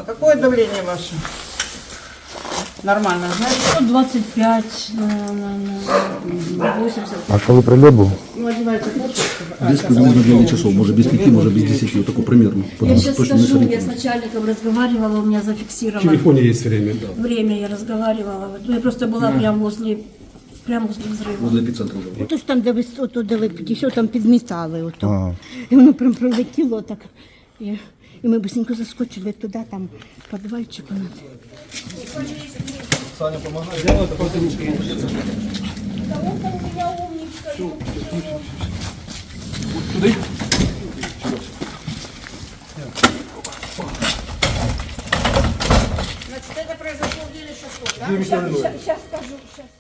какое давление ваше? Нормально, знаете? 125 на 80. А коли прильот був? Ну, одевайте куртку. Без приблизно 9 часов, может без 5, может без 10, вот такой примерно. Я Потому что сейчас точно не скажу, я с сориентируюсь. начальником разговаривала, у меня В зафиксировано телефоне есть время, да. время, я разговаривала. Вот я просто была прямо возле взрыва. Возле эпицентра уже. Ото ж там, де ви ото, де ви підійшли, там підмітали ото. Ага. І воно прям пролетіло так. І ми быстренько заскочили туди, там підвальчик у нас. Значит, это произошло в 9 часов, да? Зараз скажу, зараз.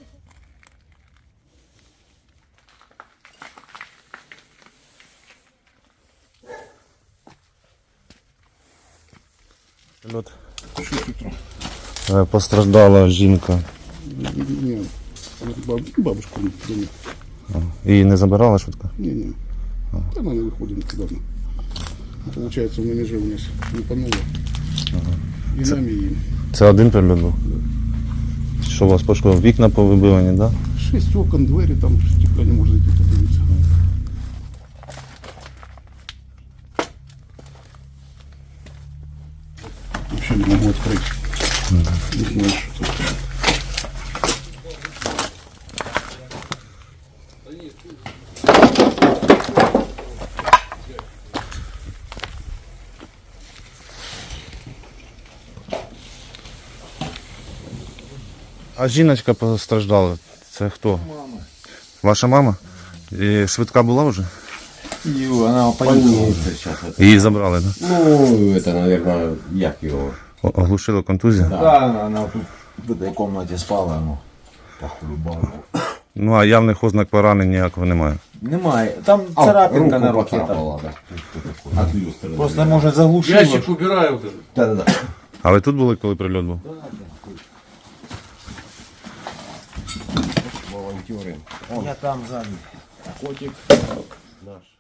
Прильот. Постраждала жінка. Нет, бабушка не. Її не забирала швидко? Не. Она не выходит недавно. Получается, на меже у нас лупануло. И нами, и им. Це один прильот був? Що у вас пошкодило? Вікна повибивані, так? 6 окон, двери, там стекла не может зайти, подивиться. Вообще не могу открыть. Не знаю, что тут. А жіночка постраждала. Це хто? Мама. Ваша мама? І швидка була вже? Она больница сейчас. Її забрали, так? Ну, это, наверное, як его. Оглушила контузія? Да, она тут в этой комнате спала, ну, похулюбала. Ну а явних ознак поранень ніякого немає. Немає. Там царапинка на руке. Просто, може, заглушила. Ящик убираю вот этот. Да. А ви тут були, коли прильот був? Волонтеры. Я там сзади. Котик наш.